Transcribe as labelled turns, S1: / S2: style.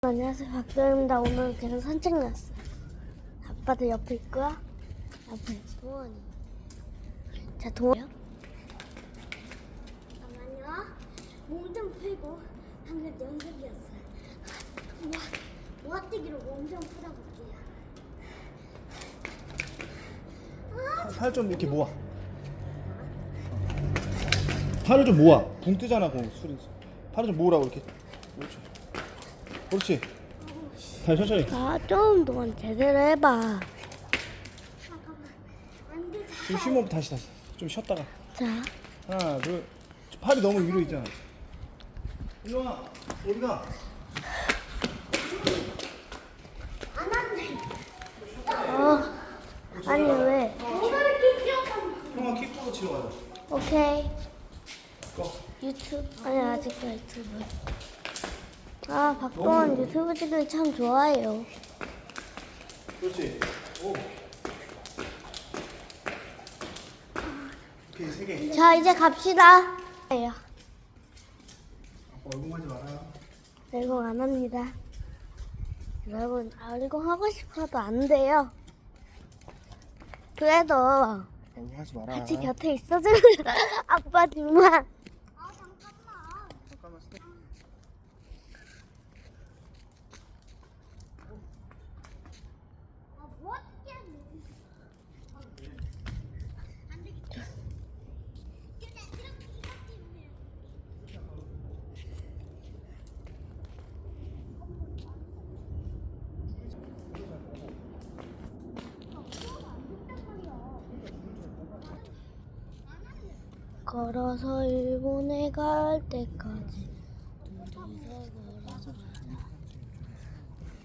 S1: 안녕하세요, 박도현입니다. 오늘 계속 산책 났어요. 아빠도 옆에 있고요. 옆에 동원이. 자, 동원이요. 잠깐만요. 몸 좀 풀고 방금 연습이었어요. 모아뛰기로 몸 좀 풀어볼게요.
S2: 팔 좀 이렇게 모아. 팔을 좀 모아. 붕 뜨잖아, 공 술이. 팔을 좀 모으라고 이렇게. 그렇지. 그렇지. 다시 천천히.
S1: 좀 동안 제대로 해봐.
S2: 좀 쉬면 다시. 좀 쉬었다가.
S1: 자,
S2: 하나, 둘. 팔이 너무 위로 있잖아. 일로 와. 어디가?
S1: 아니 왜?
S2: 형아 킥보드 치러 가자.
S1: 오케이.
S2: 고.
S1: 유튜브? 아니 아직도 유튜브. 박동원 유튜브 찍기 참 좋아해요.
S2: 그렇지. 오. 오케이, 세 개.
S1: 자, 이제 갑시다.
S2: 아빠 얼굴만 하지 마라.
S1: 열공 안 합니다. 여러분, 열공 하고 싶어도 안 돼요. 그래도
S2: 얼굴 하지 마라.
S1: 같이 곁에 있어주면 아빠 정말.
S2: 잠깐만 스톱.
S1: 걸어서 일본에 갈 때까지